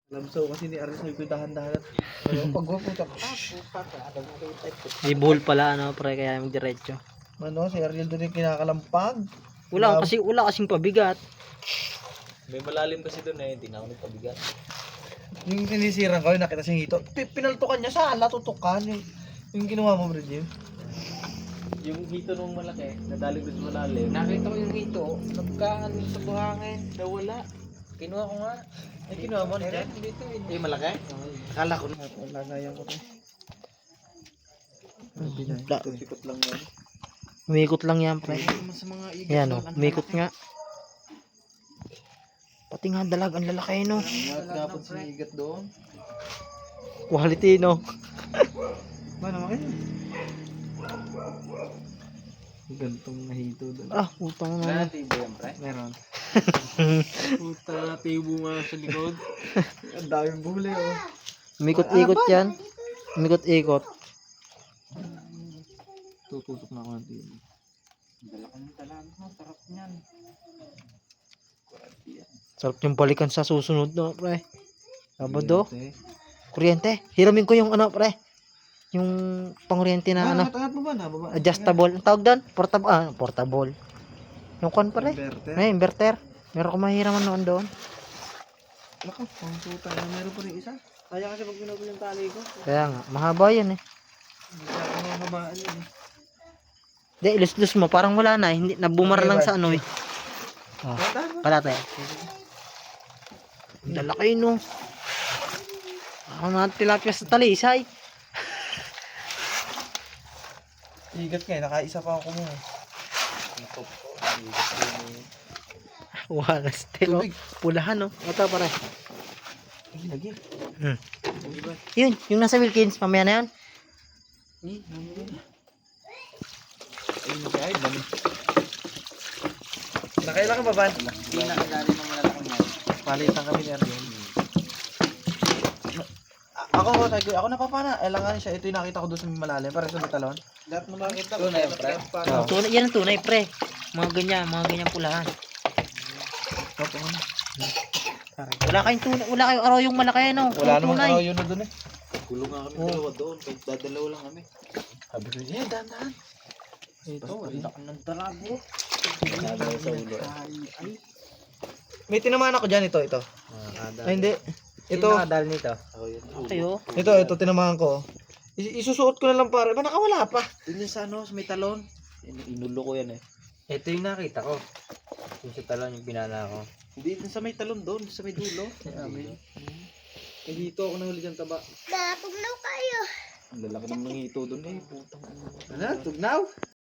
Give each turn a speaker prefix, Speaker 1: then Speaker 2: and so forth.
Speaker 1: Lamso kasi ni Aris ay dahan-dahan at pagwaputak.
Speaker 2: May buhol pala ano pre kaya yung diretso.
Speaker 1: Ano, si Ariel doon yung kinakalampag.
Speaker 2: Wala kasing pabigat.
Speaker 3: May malalim kasi doon eh, hindi na ako nagpabigat.
Speaker 1: Yung sinisirang ko, yung nakita siyang hito. Pinaltukan niya, saan tutukan? Yung ginawa mo, bro, Jim.
Speaker 3: Yung hito nung malaki, nadali doon sa malalim.
Speaker 4: Nakita ko yung hito, nagkaan sa buhangin, nawala. Kinuha ko nga.
Speaker 3: Ay, kinuha mo na dyan?
Speaker 4: Dito eh.
Speaker 3: Eh, malaki? Akala ko na.
Speaker 1: Lagayan ko to.
Speaker 3: Ikot lang yan.
Speaker 2: Umikot lang yan pre.
Speaker 3: Sa mga igat
Speaker 2: Yan
Speaker 3: doon,
Speaker 2: o,
Speaker 3: ang
Speaker 2: umikot
Speaker 3: lalaki.
Speaker 2: nga. Pati nga dalag ang lalaki no.
Speaker 3: Dapat sinigat doon.
Speaker 2: Quality no.
Speaker 1: Ba naman kayo?
Speaker 3: Gantong nahito doon.
Speaker 2: Ah, putang na.
Speaker 3: tibo yan, pre?
Speaker 1: Meron.
Speaker 3: Puta, tibo nga sa likod.
Speaker 1: Ang daming bule, oh.
Speaker 2: Umikot-ikot yan. Umikot-ikot.
Speaker 3: Tutusok na ako ng tibo.
Speaker 4: Dala ka ng talaga, sarap niyan.
Speaker 2: Sarap yung balikan sa susunod no pre. Sabado.
Speaker 3: Kuryente.
Speaker 2: Kuryente. Hiramin ko yung ano pre. Yung panguryente na ano.
Speaker 1: Angat mo ba na? Baba.
Speaker 2: Adjustable. Ang tawag doon? Portable. Portable. Yung kon pare.
Speaker 1: Inverter.
Speaker 2: May inverter. Meron ko mahiraman noon doon.
Speaker 1: Laka, ang puta na meron pa rin isa. Kaya kasi pag pinagul yung tali ko.
Speaker 2: Kaya nga, mahaba yan eh.
Speaker 1: Hindi ako mahabaan yun eh.
Speaker 2: Di, ilus-lus mo. Parang wala na eh. Hindi, nabumara lang sa ano eh. Oh, kalate. Dala kayo no. Ako na tilapia sa talisay.
Speaker 1: Igat nga eh, nakaisa pa ako mo eh.
Speaker 2: Wala still.
Speaker 1: Tubig.
Speaker 2: Pulahan no. Ito pare.
Speaker 1: Lagi.
Speaker 2: Yun, yung nasa Wilkins. Mamaya na yan.
Speaker 3: Ayun na kaya, dami.
Speaker 1: Nakailan ka ba, Van?
Speaker 4: Pinakadali ng malalaking yan.
Speaker 1: Palitan kami ni Ariel. Ako napapana. Elangan siya. Ito yung nakita ko doon sa malalim. Para sa metalon.
Speaker 4: Dapat mo makita ko na yan, pre.
Speaker 2: Oh. Tunay, yan ang tunay pre. Mga ganyan pulahan. Wala kayong tunay, wala kayong araw yung malaki no.
Speaker 1: Wala
Speaker 2: Yung
Speaker 1: namang
Speaker 2: tunay.
Speaker 1: araw yun na doon eh.
Speaker 3: Gulong nga kami dalawa doon, kahit dadalawa lang kami.
Speaker 1: Sabi ko, dahan-dahan. Ito,
Speaker 4: Laki ng dalago.
Speaker 3: Dadalawa sa ulo.
Speaker 1: may tinamaan ako dyan. Ito. Ay, hindi. Ito.
Speaker 4: Nakadal nito.
Speaker 3: Ako yun.
Speaker 2: Ayo.
Speaker 1: Ito, tinamaan ko. Isusuot ko na lang para. Ba, nakawala pa.
Speaker 3: Doon sa ano, sa may talon. Inulo ko yan eh.
Speaker 4: Ito yung nakita ko. Yung sa talon yung pinala ko.
Speaker 3: Hindi, dun sa may talon doon, sa may dulo.
Speaker 1: Eh, dito ako nahuli dyan taba.
Speaker 3: Ang lalaki ng nangito doon eh. Putang ano.
Speaker 1: Ano? Tugnaw?